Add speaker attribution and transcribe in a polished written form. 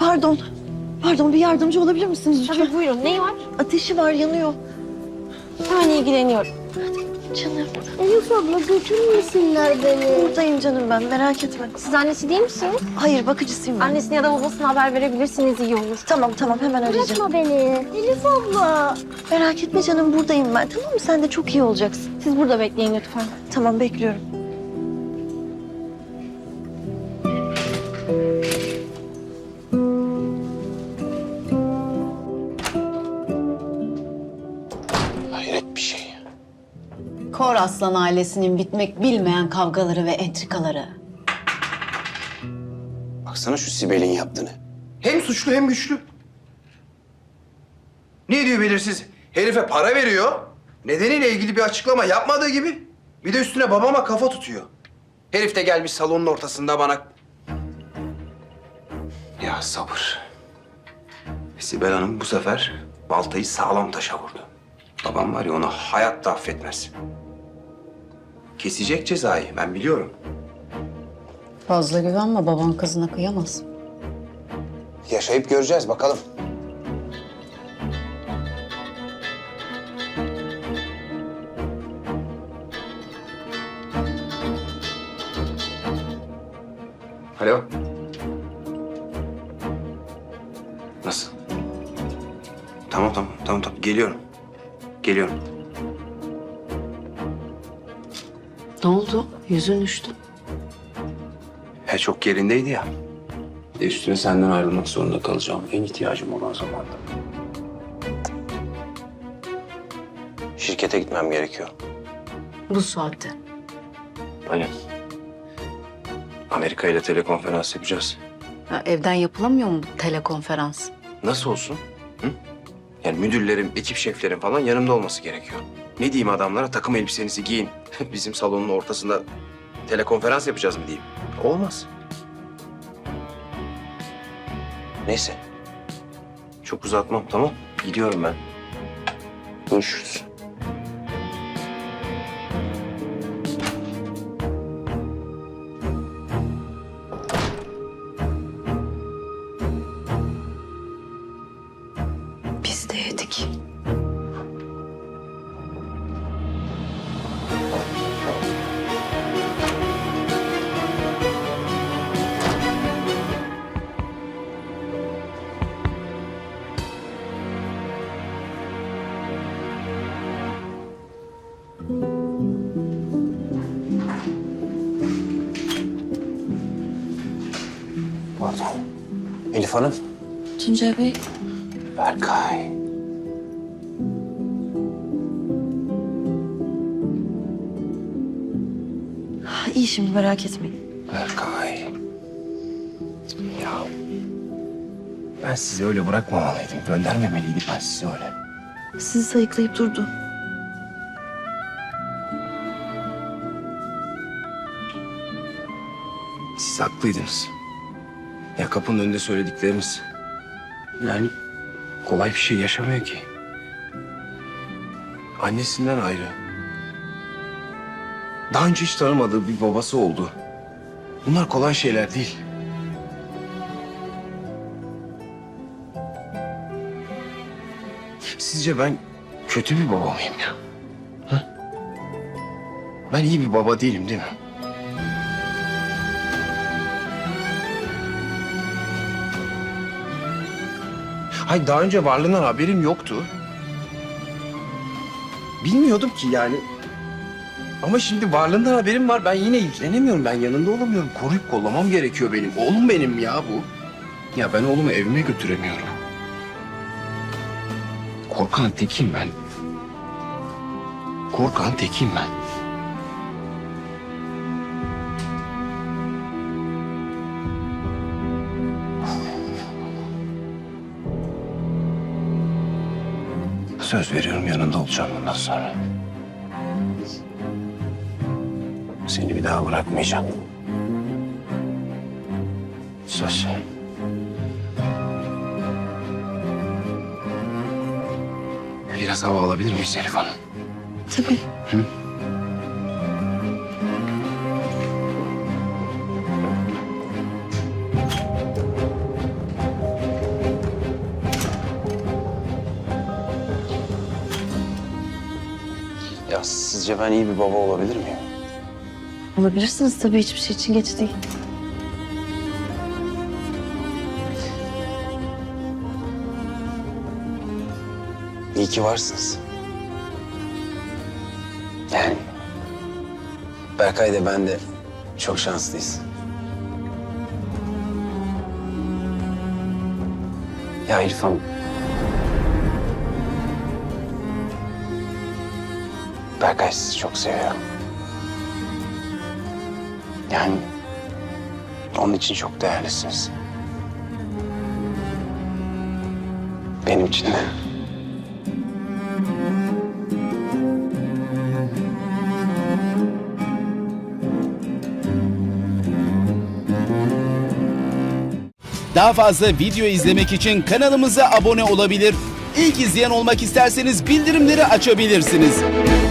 Speaker 1: Pardon. Pardon, bir yardımcı olabilir misiniz lütfen?
Speaker 2: Tabii buyurun. Neyi var?
Speaker 1: Ateşi var, yanıyor.
Speaker 2: Hemen ilgileniyorum.
Speaker 1: Canım.
Speaker 3: Elif abla götürmesinler beni.
Speaker 1: Buradayım canım ben, merak etme.
Speaker 2: Siz annesi değil misiniz?
Speaker 1: Hayır, bakıcısıyım ben.
Speaker 2: Annesine ya da babasına haber verebilirsiniz, iyi olur.
Speaker 1: Tamam, hemen arayacağım.
Speaker 3: Bırakma beni. Elif abla.
Speaker 1: Merak etme canım, buradayım ben. Tamam mı? Sen de çok iyi olacaksın.
Speaker 2: Siz burada bekleyin lütfen.
Speaker 1: Tamam, bekliyorum.
Speaker 4: Hayret bir şey.
Speaker 5: Kor Aslan ailesinin bitmek bilmeyen kavgaları ve entrikaları.
Speaker 4: Baksana şu Sibel'in yaptığını.
Speaker 6: Hem suçlu hem güçlü. Ne diyor belirsiz? Herife para veriyor. Nedeniyle ilgili bir açıklama yapmadığı gibi. Bir de üstüne babama kafa tutuyor. Herif de gelmiş salonun ortasında bana... Ya sabır. Sibel Hanım bu sefer baltayı sağlam taşa vurdu. Babam var ya onu hayatta affetmez. Kesecek cezayı ben biliyorum.
Speaker 5: Fazla güvenme, baban kızına kıyamaz.
Speaker 4: Yaşayıp göreceğiz bakalım.
Speaker 6: Alo. Nasıl? Tamam. Geliyorum.
Speaker 5: Ne oldu? Yüzün düştü.
Speaker 6: He çok yerindeydi ya. Bir de üstüne senden ayrılmak zorunda kalacağım. En ihtiyacım olan zamanda. Şirkete gitmem gerekiyor.
Speaker 5: Bu saatte.
Speaker 6: Aynen. Amerika ile telekonferans yapacağız.
Speaker 5: Ya, evden yapılamıyor mu bu telekonferans?
Speaker 6: Nasıl olsun? Hı? Yani müdürlerim, ekip şeflerim falan yanımda olması gerekiyor. Ne diyeyim adamlara? Takım elbisenizi giyin. Bizim salonun ortasında telekonferans yapacağız mı diyeyim? Olmaz. Neyse. Çok uzatmam, tamam? Gidiyorum ben. Görüşürüz.
Speaker 1: Biz de yedik.
Speaker 4: Pardon. Elif Hanım.
Speaker 1: Tuncay Bey,
Speaker 4: Berkay.
Speaker 1: iyi şimdi, merak etmeyin.
Speaker 6: Berkay. Ya. Ben sizi öyle bırakmamalıydım. Göndermemeliydim ben sizi öyle.
Speaker 1: Sizi sayıklayıp durdu.
Speaker 6: Siz haklıydınız. Ya kapının önünde söyledikleriniz. Yani kolay bir şey yaşamıyor ki. Annesinden ayrı. Daha önce hiç tanımadığı bir babası oldu. Bunlar kolay şeyler değil. Sizce ben kötü bir baba mıyım ya? Ha? Ben iyi bir baba değilim değil mi? Hayır, daha önce varlığından haberim yoktu. Bilmiyordum ki yani. Ama şimdi varlığından haberim var. Ben yine ilgilenemiyorum. Ben yanında olamıyorum. Koruyup kollamam gerekiyor benim. Oğlum benim ya bu. Ya ben oğlumu evime götüremiyorum. Korkan tekiyim ben. Korkan tekiyim ben. Söz veriyorum yanında olacağım bundan sonra. Seni bir daha bırakmayacağım. Söz. Biraz hava alabilir miyiz Elif Hanım?
Speaker 1: Tabii.
Speaker 6: Hı?
Speaker 4: Ya sizce ben iyi bir baba olabilir miyim?
Speaker 1: Olabilirsiniz tabii, hiçbir şey için geç değil.
Speaker 4: İyi ki varsınız. Yani Berkay da ben de çok şanslıyız. Ya İrfan. Berkay sizi çok seviyorum. Yani onun için çok değerlisiniz. Benim için de.
Speaker 7: Daha fazla video izlemek için kanalımıza abone olabilir. İlk izleyen olmak isterseniz bildirimleri açabilirsiniz.